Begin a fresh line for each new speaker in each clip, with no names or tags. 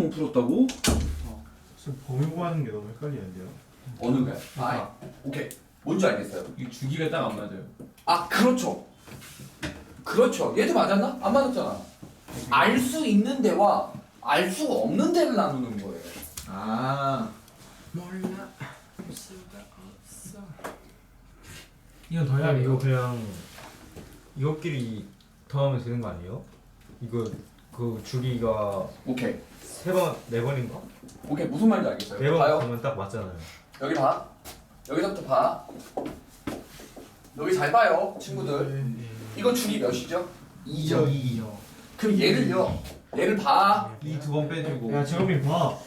못 풀었다고?
지금 범위 구하는 게 너무 헷갈리는데요.
어느 게? 아, 오케이. 뭔지 알겠어요.
이 주기가 딱 안 맞아요.
아, 그렇죠. 그렇죠. 얘도 맞았나? 안 맞았잖아. 알 수 있는 데와 알 수가 없는 데를 나누는 거예요.
아.
몰라 알 수가 없어. 이건 더 해야
그냥 이거
돼요.
그냥 이것끼리 더하면 되는 거 아니에요? 이거 그 주기가
오케이.
3번, 4번인가?
오케이. 무슨 말인지 알겠어요.
4번
봐요.
하면 딱 맞잖아요.
여기 봐. 여기서부터 봐. 여기 잘 봐요, 친구들. 이거 주기 몇이죠? 2죠.
2요.
그럼 얘를 봐.
2 두 번 빼주고.
야 재범이 봐.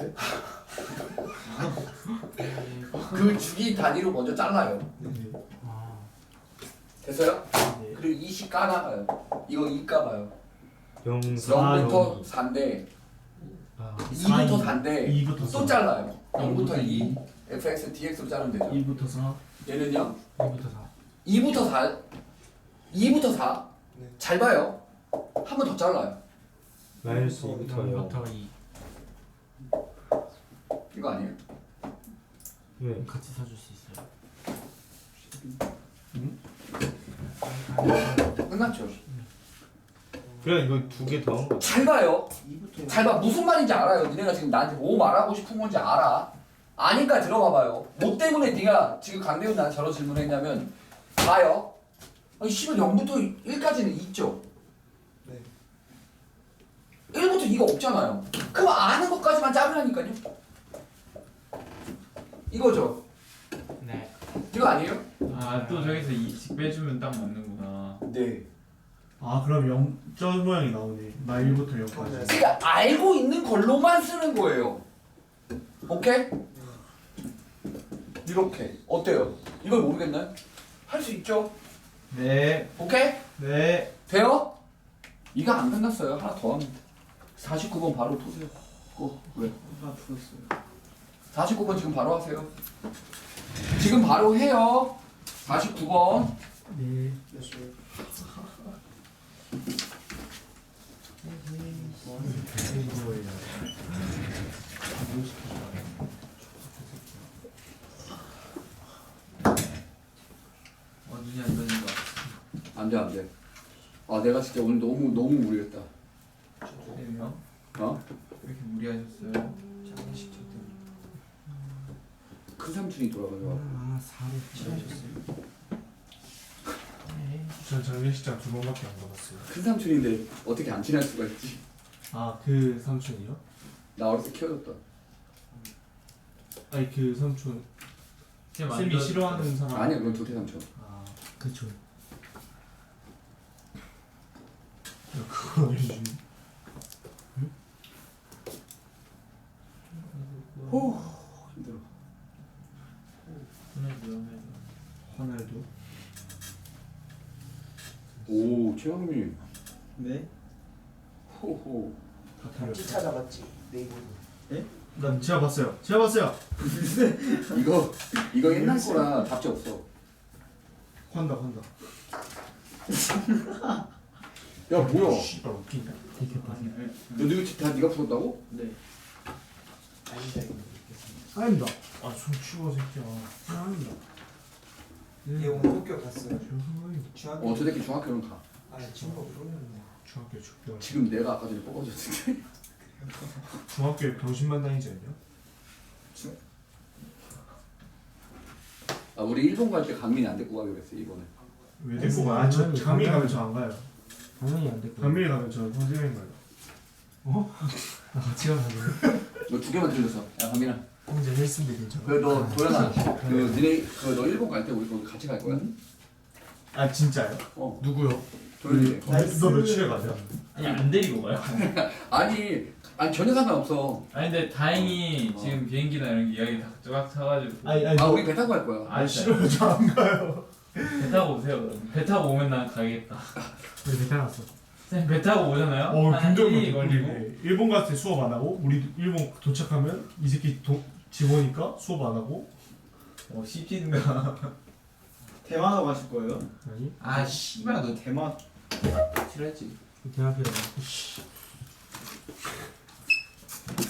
그 주기 단위로 먼저 잘라요.
아.
됐어요?
네.
그리고 2씩 까나가요. 이거 2 까봐요.
0,
0부터 4인데
아,
2부터 4인데
2부터
또 잘라요. 0부터 2, fx, dx로 자르면 되죠.
2부터 4.
얘는요?
2부터 4.
2부터 4. 2부터 4. 잘 봐요. 한 번 더 잘라요.
마이너스 2부터 0.
0부터 2.
이거 아니에요?
왜?
같이 사줄 수 있어요.
끝났죠.
그냥 이거 2개 더한 거.
잘 봐요. 잘 봐. 무슨 말인지 알아요. 니네가 지금 나한테 뭐 말하고 싶은 건지 알아. 아니까 들어가 봐요. 뭐 때문에 네가 지금 강대훈 나한테 저런 질문을 했냐면 봐요. 아니 씨발 0부터 1까지는 있죠.
네.
1부터 2가 없잖아요. 그럼 아는 것까지만 짜으라니까요. 이거죠.
네.
이거 아니에요?
아, 또 저기서 2씩 빼주면 딱 맞는구나.
네.
아 그럼 0점 모양이 나오네. 나 1부터 0까지.
그러니까 알고 있는 걸로만 쓰는 거예요. 오케이? 이렇게. 어때요? 이걸 모르겠나요? 할 수 있죠?
네.
오케이?
네.
돼요? 이거 안 끝났어요. 하나 더 하면 돼. 49번 바로 토세요. 왜?
나 풀었어요.
49번 지금 바로 하세요. 지금 바로 해요. 49번.
네.
됐어요.
눈이 안 되는 거.
안 돼, 안 돼. 아, 내가 진짜 오늘 너무 무리했다.
그래요?
어?
왜 이렇게 무리하셨어요?
장례식 때
큰 삼촌이 돌아가요.
아 4로 칠하셨어요.
전 장례식장 2번밖에 안 가봤어요.
큰 삼촌인데 어떻게 안 친할 수가 있지?
아 그 삼촌이요?
나 어렸을 때 키워줬다.
아니 그 삼촌
지금
쌤이 싫어하는 사람.
아니야, 그건 도태 삼촌.
아
그쵸.
그거 알려주네.
호 힘들어.
화날도.
오, 최영민.
네?
호호.
다 틀렸어.
찾아봤지 네이버.
난 제가 봤어요. 제가 봤어요.
이거 옛날 거라 답지 없어.
환다 환다.
야, 뭐야?
씨발 웃기냐?
되게 많이.
너 이거 다 네가 풀었다고?
네. 아니다 이거.
아닙니다. 아손 치워 새끼야. 아닙니다.
얘 오늘 학교 갔어요. 중학교.
저 새끼 중학교는 가.
아 친구가 모르는데.
중학교 축구.
지금 내가 아까 전에 뽑아줬는데.
중학교에 병신만 다니지 않냐?
아, 우리 일본 갈 때 강민이 안 데리고 가기로 했어, 이번에.
왜 데리고 가? 저 강민이 가면 저 안 가요.
당연히 안 됐고.
강민이 가면 저 선생님 가요.
아 같이 가면
너 2개만 들렸어. 야, 강민아.
형제 헬스인데 괜찮아.
그래, 너 도연아. 너 일본 갈 때 우리 거기 같이 갈 거야?
아 진짜요?
어.
누구요?
도연이.
너 며칠에 가냐?
아니 안 데리고 가요.
아니 전혀 상관없어.
아니 근데 다행히 지금 비행기나 이런 게 이야기 다 쫙 사가지고.
아니
아, 우리 배 타고 갈 거야.
아,
싫어요. 저 안 가요.
배 타고 오세요 그럼. 배 타고 오면 난 가겠다.
우리 배타났어.
쌤 배 타고 오잖아요. 한
긍정도
1일 걸리고.
걸리고. 일본 갔을 때 수업 안 하고 우리 일본 도착하면 이 새끼 집 오니까 수업 안 하고.
씹히는가.
대만으로 가실 거예요?
아니
아 씨발 너
대만.
싫어했지.
대학교에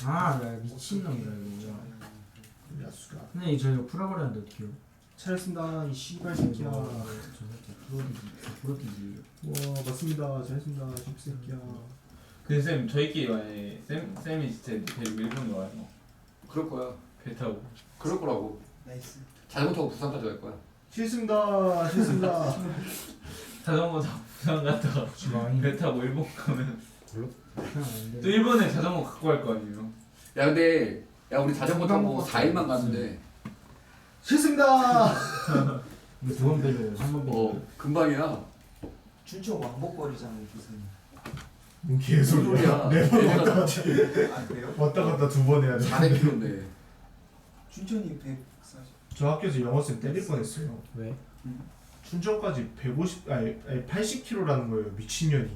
아, 나 미친놈이다 이거.
야수가.
근데 이거 저희가 풀어버렸는데 어떡해요?
잘했습니다. 이 씨발 새끼야.
저 새끼 풀어뛰기.
와 맞습니다. 잘했습니다. 새끼야.
근데 쌤 저희끼리 만약에 쌤이 진짜 데리고 일본 와요.
그럴 거야.
배 타고.
그럴 거라고.
나이스.
자전거 타고 부산까지 갈 거야.
싫습니다. 싫습니다.
자전거 타고 부산 갔다가
주방이
배 타고 일본 가면
그냥 안 돼.
또 일본에 자전거 갖고 갈 거 아니에요.
야 근데 야 우리 자전거 타고 4일만 가는데
싫습니다.
이거 두번 빼줘요. 한번 빼줘.
금방이야.
춘천 왕복거리잖아요 기사님.
개소리야.
소리야.
네번 왔다 갔다.
아 그래요?
왔다 갔다 2번 해야 돼.
400km인데.
춘천이 140.
저 학교에서 영어쌤 때릴 뻔했어요.
왜?
춘천까지 150 아니 80km라는 거예요. 미친년이.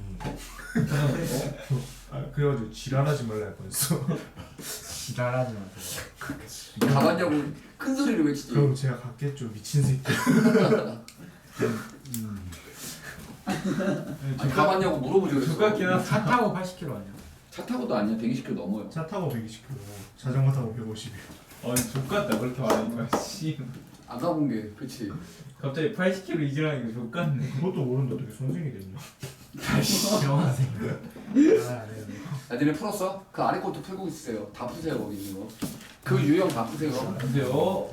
그래가지고 지랄하지 말라 할 뻔했어.
지랄하지 마세요.
가봤냐고 큰 소리를 외치지.
그럼 제가 갔겠죠. 미친 새끼.
아니, 가봤냐고 물어보지 그랬어.
똑같긴 하다.
차 타고 80km 아니야?
차 타고도 아니야. 120km 넘어요.
차 타고 120km, 자전거 타고 150.
아니 족같다 그렇게 말하니까 씨.
안 가본 게 그치.
갑자기 80kg 이지라니까 족같네.
그것도 모르는데 어떻게 선생이 됐냐?
영화생. 아,
야 니네 풀었어? 그 아래 것도 풀고 있으세요. 다 푸세요 거기 있는 거. 그 유형 다 푸세요.
근데요.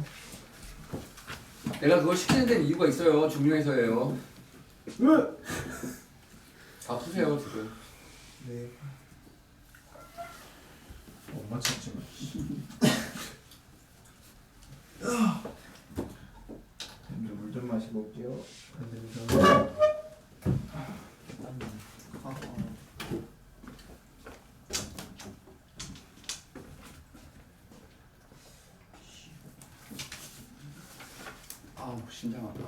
내가 그걸 시키는 데는 이유가 있어요. 중요해서예요.
왜?
다 푸세요 지금.
네.
엄마 찾지 마.
물 좀 마시고 올게요.
아우 심장 아파.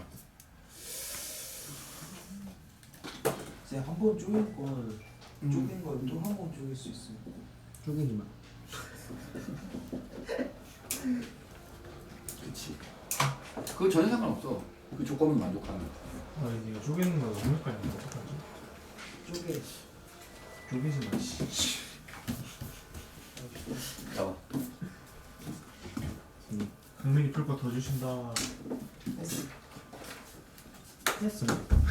이제 한 번 쪼갠 걸 쪼갠 걸 또 한 번 쪼갤 수 있어요.
쪼개지 마.
그치. 그거 전혀 상관없어. 그 조건은 만족하는 거야.
아 이거 쪼개는 거 너무 헷갈리는데 어떡하지?
쪼개.
쪼개지 마. 씨.
나와.
강민이 풀 거 더 주신다.
했어.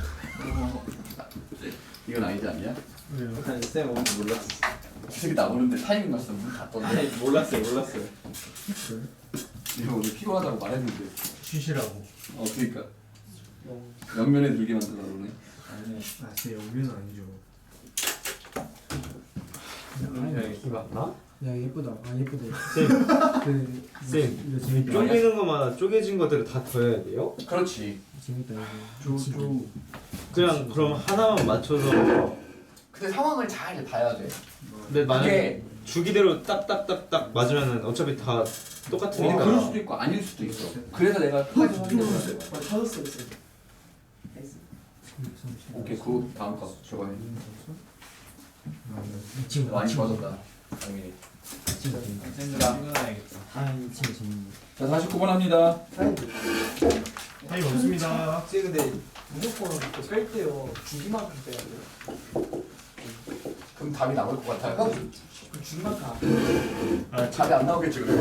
이건 아니지 않냐?
왜요?
아니 쌤 오늘 몰랐어.
이 새끼 나오는데 타이밍 맞춰서 문 닫던데.
몰랐어요.
이거 오늘 피곤하다고 말했는데.
쉬시라고.
그니까. 옆면에 들게 만들어 그러네.
아니
아 진짜 영변은 아니죠.
아니
맞나?
야 예쁘다. 아 예쁘다.
쌤. 쌤.
이거 재밌다.
쪼개는 것마다 쪼개진 것들을 다 더해야 돼요?
그렇지.
재밌다 이거.
쪼.
그냥 그럼 하나만 맞춰서.
근데 상황을 잘 봐야 돼.
근데 만약에
그게
주기대로 딱딱딱딱 맞으면은 어차피 다 똑같으니까.
그럴 수도 있고 아닐 수도 있어. 그래서 내가 끝까지 확인해줘야 돼.
찾았어요 쌤. 나이스.
오케이 그 다음 거 저거해.
이 친구
많이 좋아졌다. 당연히.
이 친구 재밌다.
쌤좀 출근해야겠다.
아이 친구 재밌네.
자 49번 합니다.
타임 없습니다.
쌤 근데 무조건 뺄 때요 주기만큼 빼야 돼요.
그럼 답이 나올 것 같아요.
그 주기만큼 안 빼요.
아
답이 안 나오겠지 그러면.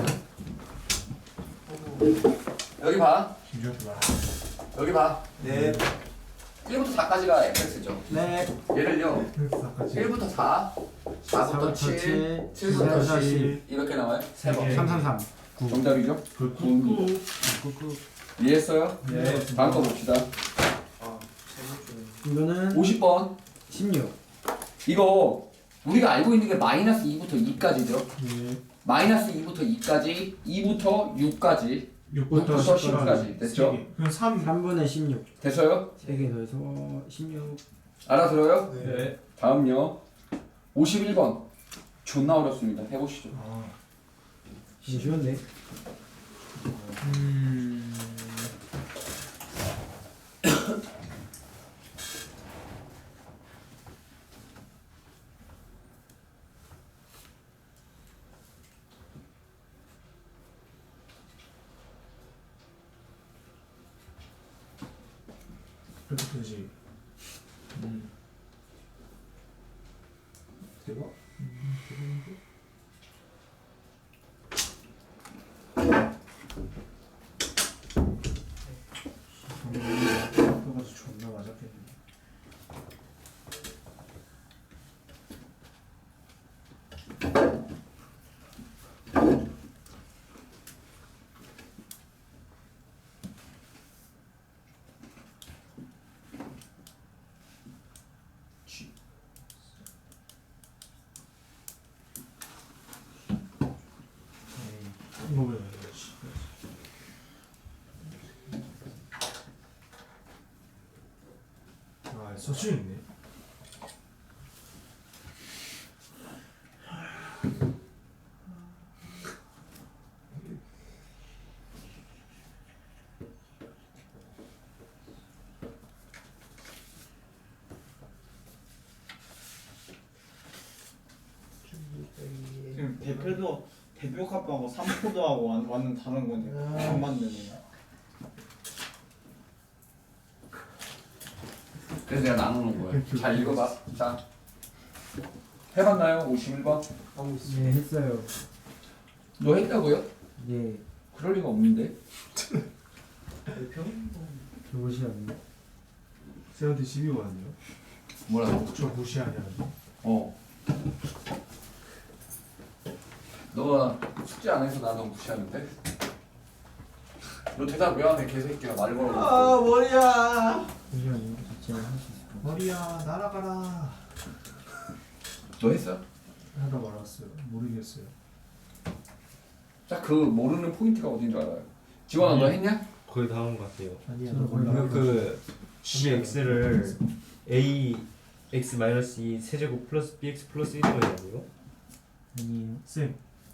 여기 봐.
김주현 봐.
여기 봐.
네.
1부터 4까지가 fx죠.
네.
얘를요.
아까지.
1부터 4, 4부터 7, 7부터 10 이렇게 나와요. 세 번.
333.
정답이죠?
그 꾹꾹.
꾹꾹.
이해했어요?
네.
다음 거 봅시다.
아 잘못 줘.
이거는
50번.
16.
이거 우리가 알고 있는 게 마이너스 2부터 2까지죠.
네.
마이너스 2부터 2까지, 2부터 6까지,
6부터
6부터 10까지 됐죠?
그럼 3.
3분의 16.
됐어요?
3개 더해서 16.
알아들어요?
네.
다음요. 51번. 존나 어렵습니다. 해보시죠.
아.
이거 쉬운데?
그렇게 되지. 대박. 서춘 있네.
지금 대표 값하고 3포도하고 완전 다른 건데 안 맞네.
그래서 내가 나누는 거야. 잘 읽어봐. 자, 해봤나요? 51번?
네 했어요.
너 했다고요?
네.
그럴 리가 없는데.
무시하네.
쌤한테 시비 왔네요.
뭐라고?
저 무시하냐는데.
어. 너가 숙제 안 해서 나 너 무시하는데? 너 대답 왜 안 해? 개새끼야. 말 걸어.
머리야.
무시하네. 제가 할 수 있을 것
머리야 날아가라.
너 했어?
하다 말았어요. 모르겠어요.
자, 그 모르는 포인트가 어딘 줄 알아요? 지원아 너 했냐?
거의 다 한 것 같아요.
아니야.
저는
나 몰라.
그 우리 x를 a x 마이너스 2 세제곱 플러스 bx 플러스 1이 아니에요?
아니에요.
쌤,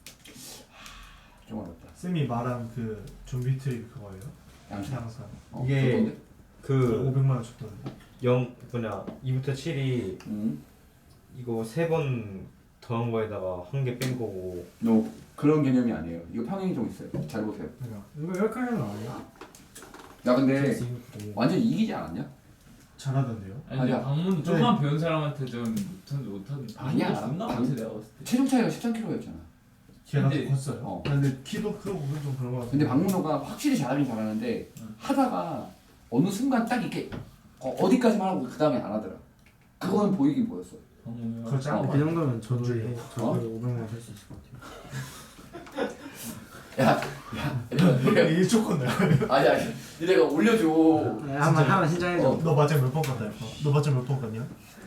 좀 어렵다.
쌤이 말한 그 좀비 트릭 그거예요?
양상.
항상
이게
좋던데?
그
500만 원 줬던데.
2부터 7이 이거 3번 더한 거에다가 한 개 뺀 거고.
너 그런 개념이 아니에요. 이거 평행이 좀 있어요. 잘 보세요.
그러니까 이거 열카는 아니야?
야 근데
그래서 이거 그래요.
완전 이기지 않았냐?
잘하던데요?
아니 근데
아니야.
방문 조금만 배운 사람한테 좀 못하는.
아니야.
존나 못해 내가 봤을 때.
체중 차이가 13kg였잖아.
걔가 더
근데-
컸어요.
어.
근데 키도 크고 그건 좀 그런 거 같아.
근데 박문호가 확실히 잘하긴 잘하는데 하다가 어느 순간 딱 이렇게 어디까지만 하고 그 다음에 안 하더라. 그건 보이긴 보였어.
방문은
그거 짱.
그 정도면 저도
저도요.
해. 저도 500만 할 수 있을 것 같아요.
야, 내가
1초 컸네.
아니 니네가 올려줘.
한번 신청해줘.
어.
너 맞아 몇번 갔다 이거? 너 맞아 몇번 갔냐?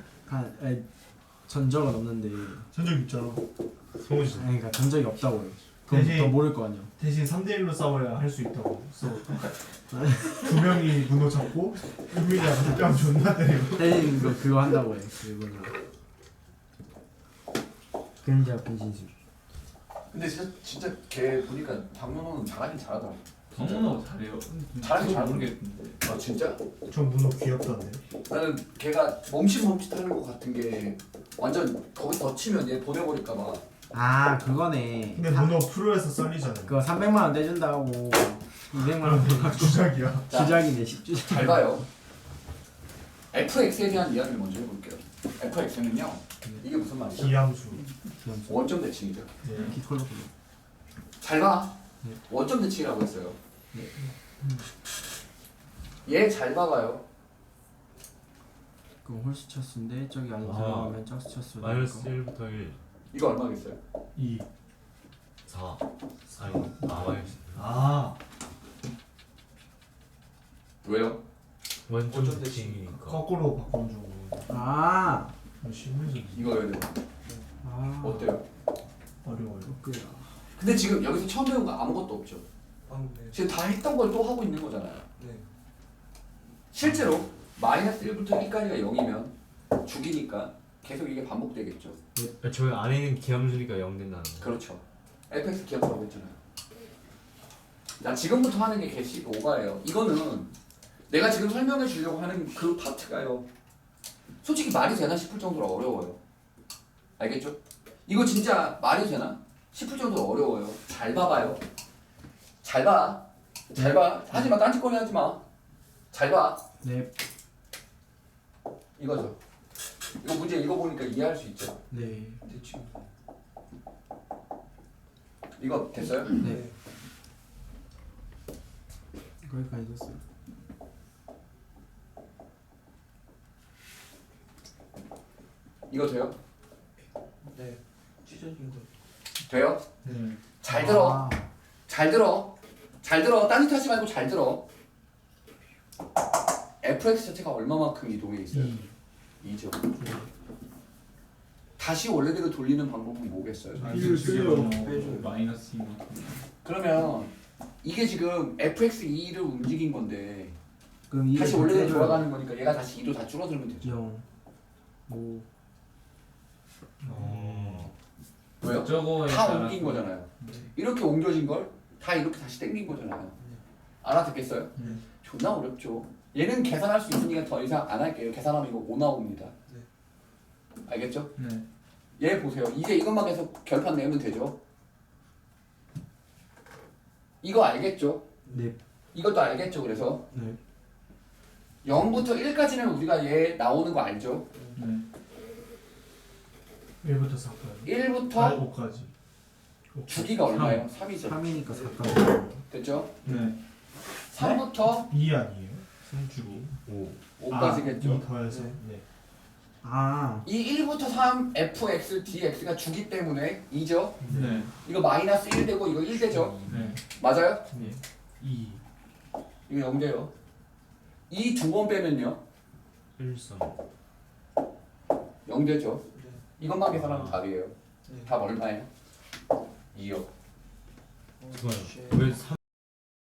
전적은 없는데.
전적 있잖아. 성우지.
아니, 그러니까 전적이 없다고요. 그럼
대신-
더 모를 거 아니야.
대신 3대1로 싸워야 할 수 있다고. 그래서 두 명이 문어 잡고 은민이한테 뺨 존나 때리고.
대신 그거 한다고 해. 그걸로. 근자 분신술.
근데 진짜 걔 보니까 박문호는 잘하긴 잘하더라.
방문하고 잘해요.
잘하긴
저도
잘하는
모르겠는데.
아 진짜?
저 문어 귀엽던데.
나는 걔가 멈칫멈칫하는 것 같은 게 완전 거기 더 치면 얘 보내버릴까봐.
아 그거네.
근데 문어 프로에서 썰리잖아요.
그거 300만 원 떼준다고 200만 원
주작이야.
자,
주작이네 10주작.
잘 봐요. fx에 대한 이야기를 먼저 해볼게요. fx는요 이게 무슨 말이죠?
기함수.
원점 대칭이죠.
네.
기콜로.
잘 봐.
네.
원점 대칭이라고 했어요.
네.
얘 잘 봐봐요.
그럼 홀수 쳤수인데 저기 안에
아.
들어가면 짝수 쳤수.
마이너스 1부터 1
이거 얼마겠어요?
2.
4 아니 마이너스
아.
왜요?
원점 대칭이니까.
거꾸로 바꿔주고.
아.
심해져.
이거 해야 돼요.
아.
어때요?
어려워요.
그래.
근데 지금 여기서 처음 배운 거 아무것도 없죠.
네.
지금 다 했던 걸 또 하고 있는 거잖아요.
네.
실제로 마이너스 1부터 1까지가 0이면 죽이니까 계속 이게 반복되겠죠.
저기 안에 있는 기함수니까 0 된다는 거.
그렇죠. fx 기억하라고 했잖아요. 자, 지금부터 하는 게 개식 오바예요. 이거는 내가 지금 설명해 주려고 하는 그 파트가요. 솔직히 말이 되나 싶을 정도로 어려워요. 알겠죠? 이거 진짜 말이 되나 싶을 정도로 어려워요. 잘 봐봐요. 잘 봐. 잘 봐. 하지 마. 딴짓거리 하지 마. 잘 봐.
네.
이거죠. 이거 문제 읽어보니까 이해할 수 있죠.
네.
대충. 이거 됐어요?
네. 거기까지 됐어요.
이거 돼요?
네. 찢어진 거.
돼요?
네.
잘 들어.
아.
잘 들어. 잘 들어. 딴짓 하지 말고 잘 들어. fx 자체가 얼마만큼 이동해 있어요? 2죠. 다시 원래대로 돌리는 방법은 뭐겠어요?
이를 써요.
마이너스 2만큼.
그러면 이게 지금 fx2를 움직인 건데
그럼 이게
다시 원래대로 돌아가는 거니까 얘가 다시 2도 다 줄어들면 되죠.
0 5
왜요?
저거에
다
따라서-
옮긴 거잖아요.
네.
이렇게 옮겨진 걸 다 이렇게 다시 땡긴 거잖아요. 알아듣겠어요?
네.
존나 어렵죠. 얘는 계산할 수 있으니까 더 이상 안 할게요. 계산하면 이거 5 나옵니다. 알겠죠?
네.
얘 보세요. 이제 이것만 계속 결판 내면 되죠. 이거 알겠죠?
네.
이것도 알겠죠? 그래서
네.
0부터 1까지는 우리가 얘 나오는 거 알죠?
네.
1부터 4까지.
1부터
5까지.
주기가 얼마예요? 3이죠.
3이니까 4까지.
됐죠?
네.
3부터
2 아니에요? 승주기.
5까지겠죠?
2 더해서. 네.
아,
이 1부터 3 fx, dx가 주기 때문에 2죠?
네.
이거 마이너스 1 되고 이거 1 되죠?
네.
맞아요?
네.
2.
이거 0 돼요. 이 두 번 빼면요?
1 3
0 되죠? 이것만 계산하면 답이에요.
네.
답 얼마예요? 2요.
잠깐만요. 왜 3?